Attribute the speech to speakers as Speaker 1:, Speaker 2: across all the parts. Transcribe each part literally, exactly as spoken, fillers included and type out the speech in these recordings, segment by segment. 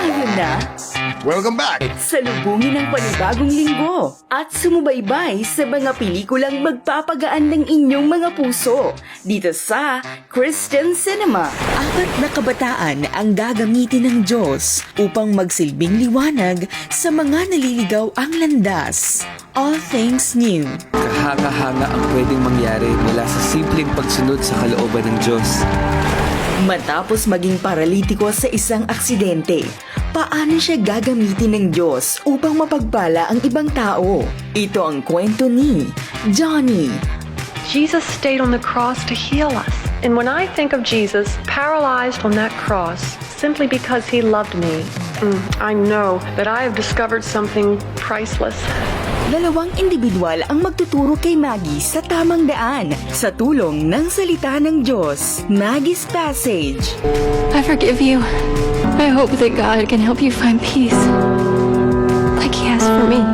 Speaker 1: Ayun na,
Speaker 2: Welcome back!
Speaker 1: salubungin ang panibagong linggo at sumubaybay sa mga pelikulang magpapagaan ng inyong mga puso dito sa Christian Cinema. Apat na kabataan ang gagamitin ng Diyos upang magsilbing liwanag sa mga naliligaw ang landas. All things new.
Speaker 3: Kahanga-hanga ang pwedeng mangyari mula sa simpleng pagsunod sa kalooban ng Diyos.
Speaker 1: Matapos maging paralitiko sa isang aksidente, paano siya gagamitin ng Diyos upang mapagpala ang ibang tao? Ito ang kwento ni Johnny.
Speaker 4: Jesus stayed on the cross to heal us. And when I think of Jesus paralyzed on that cross simply because he loved me, mm, I know that I have discovered something priceless.
Speaker 1: Dalawang individual ang magtuturo kay Maggie sa tamang daan sa tulong ng salita ng Diyos. Maggie's Passage.
Speaker 5: I forgive you. I hope that God can help you find peace, like He has for me.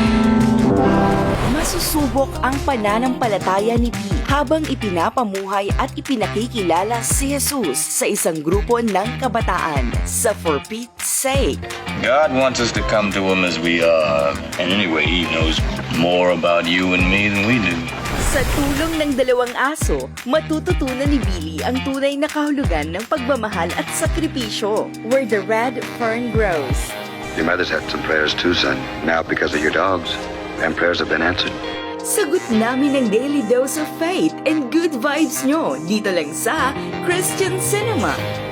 Speaker 1: Masusubok ang pananampalataya ni P habang ipinapamuhay at ipinakikilala si Jesus sa isang grupo ng kabataan sa For Pete's Sake.
Speaker 6: God wants us to come to Him as we are. And anyway, He knows more about you and me than we do.
Speaker 1: Sa tulong ng dalawang aso, matututunan ni Billy ang tunay na kahulugan ng pagmamahal at sakripisyo, where the red fern grows.
Speaker 7: Your mother's had some prayers too, son. Now because of your dogs. And prayers have been answered.
Speaker 1: Sagot namin ng daily dose of faith and good vibes nyo dito lang sa Christian Cinema.